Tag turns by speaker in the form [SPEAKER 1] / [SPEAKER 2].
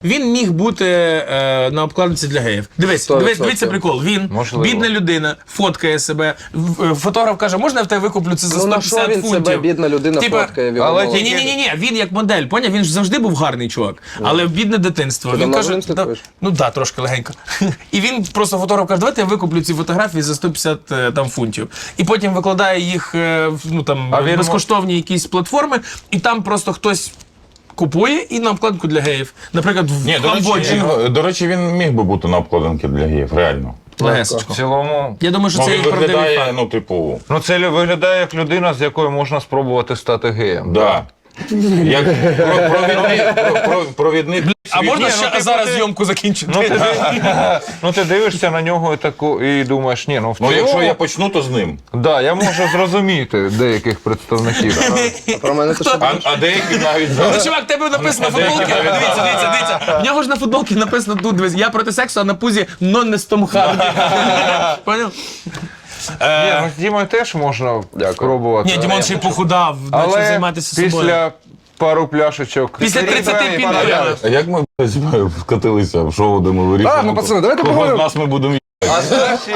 [SPEAKER 1] Він міг бути на обкладинці для геїв. Дивіться прикол. Він, бідна людина, фоткає себе. Фотограф каже, можна я в тебе викуплю це за 150 фунтів?
[SPEAKER 2] Ну на що він себе, бідна людина, фоткає?
[SPEAKER 1] Ні, він як модель, поняв? Він ж завжди був гарний чувак, але бідне дитинство. Він каже, ну так, трошки легенько. І він просто фотограф каже, давайте я викуплю ці фотографії за 150 там, фунтів. І потім викладає їх ну, там, безкоштовні якісь платформи, і там просто хтось купує і на обкладинку для геїв. Наприклад, в Камбоджі.
[SPEAKER 3] До речі, він міг би бути на обкладинці для геїв, реально.
[SPEAKER 1] Легесечко.
[SPEAKER 4] В цілому...
[SPEAKER 1] Я думаю, що це і правдивий факт.
[SPEAKER 3] Ну, типу...
[SPEAKER 4] Ну, це виглядає як людина, з якою можна спробувати стати геєм.
[SPEAKER 3] Да. Як провідник...
[SPEAKER 1] А можна ще зараз зйомку закінчити?
[SPEAKER 4] Ну, ти дивишся на нього і думаєш, ні, ну в цілому...
[SPEAKER 3] Ну, якщо я почну, то з ним.
[SPEAKER 4] Да, я можу зрозуміти деяких представників.
[SPEAKER 2] Про мене то
[SPEAKER 3] А деякі навіть...
[SPEAKER 1] Ну, чувак, тебе написано на футболці. Дивіться. В нього ж на футболці написано тут, дивись, я проти сексу, а на пузі «Non est Tom Hardy». Поняв?
[SPEAKER 4] Ні, ну з Дімою теж можна спробувати.
[SPEAKER 1] Ні, Дімон ще й похудав, почав
[SPEAKER 4] Але
[SPEAKER 1] займатися собою.
[SPEAKER 4] після пару пляшечок...
[SPEAKER 1] Після 30 пінтів.
[SPEAKER 3] А як ми вкатилися в шоу, де ми вирішили?
[SPEAKER 2] Ну, пацани, давайте
[SPEAKER 3] кого з
[SPEAKER 2] поговоримо.
[SPEAKER 3] нас ми будемо